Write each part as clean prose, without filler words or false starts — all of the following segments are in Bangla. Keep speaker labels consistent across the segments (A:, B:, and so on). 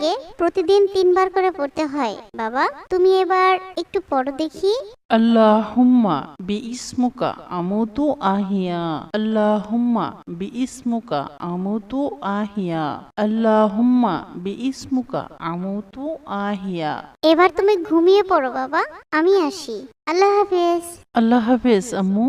A: থাকে প্রতিদিন 3 বার করে পড়তে হয়। বাবা তুমি এবার একটু পড়ো দেখি।
B: আল্লাহুম্মা বিইসমুকা আমুতু আহিয়া আল্লাহুম্মা বিইসমুকা আমুতু আহিয়া আল্লাহুম্মা বিইসমুকা আমুতু আহিয়া।
A: এবার তুমি ঘুমিয়ে পড়ো বাবা, আমি আসি। আল্লাহ হাফেজ।
B: আল্লাহ হাফেজ আম্মু।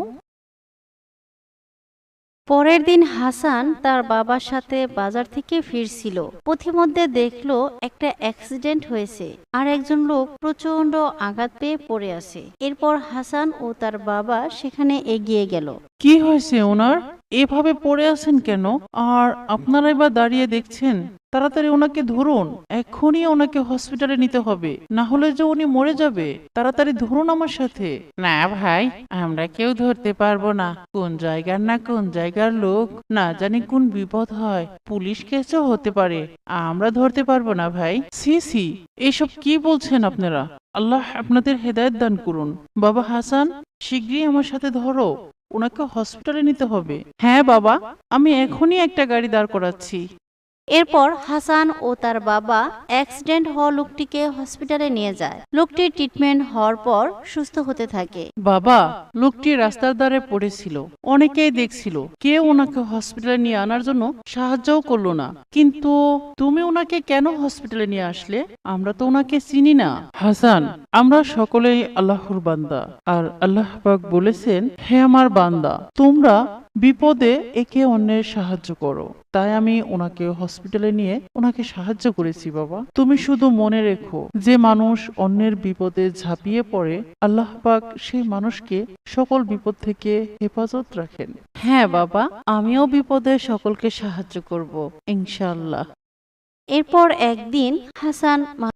C: পরের দিন হাসান তার বাবার সাথে বাজার থেকে ফিরছিল। পথিমধ্যে দেখলো একটা অ্যাক্সিডেন্ট হয়েছে আর একজন লোক প্রচন্ড আঘাত পেয়ে পড়ে আছে। এরপর হাসান ও তার বাবা সেখানে এগিয়ে গেল।
B: কি হয়েছে ওনার? এভাবে পড়ে আছেন কেন? আর আপনারাই বা দাঁড়িয়ে দেখছেন? তাড়াতাড়ি ওনাকে ধরুন, এক্ষুনি ওনাকে হসপিটালে নিতে হবে, না হলে যে উনি মরে যাবে। তাড়াতাড়ি ধরুন আমার সাথে। না ভাই, আমরা কেউ ধরতে পারবো না। কোন জায়গার না কোন জায়গার লোক, না জানি কোন বিপদ হয়, পুলিশ কেসও হতে পারে। আমরা ধরতে পারবো না ভাই। সি সি, এসব কি বলছেন আপনারা? আল্লাহ আপনাদের হেদায়েত দান করুন। বাবা হাসান, শিগগিরই আমার সাথে ধরো, ওনাকে হসপিটালে নিতে হবে। হ্যাঁ বাবা, আমি এখনই একটা গাড়ি দাঁড় করাচ্ছি।
C: এরপর হাসান ও তার বাবা অ্যাক্সিডেন্ট হওয়া লোকটিকে হসপিটালে নিয়ে যায়। লোকটির ট্রিটমেন্ট হওয়ার পর সুস্থ হতে থাকে।
B: বাবা, লোকটি রাস্তার ধারে পড়েছিল, অনেকেই দেখছিল, কেউ ওনাকে হসপিটালে নিয়ে আনার জন্য সাহায্যও করলো না। কিন্তু তুমি ওনাকে কেন হসপিটালে নিয়ে আসলে? আমরা তো ওনাকে চিনি না। হাসান, আমরা সকলেই আল্লাহর বান্দা, আর আল্লাহ পাক বলেছেন, হে আমার বান্দা, তোমরা বিপদে একে অন্যের সাহায্য করো। তাই আমি ওনাকে হসপিটালে নিয়ে ওনাকে সাহায্য করেছি। বাবা, তুমি শুধু মনে রেখো, যে মানুষ অন্যের বিপদে ঝাঁপিয়ে পড়ে, আল্লাহ পাক সেই মানুষকে সকল বিপদ থেকে হেফাজত রাখেন। হ্যাঁ বাবা, আমিও বিপদে সকলকে সাহায্য করব ইনশাআল্লাহ।
C: এরপর একদিন হাসান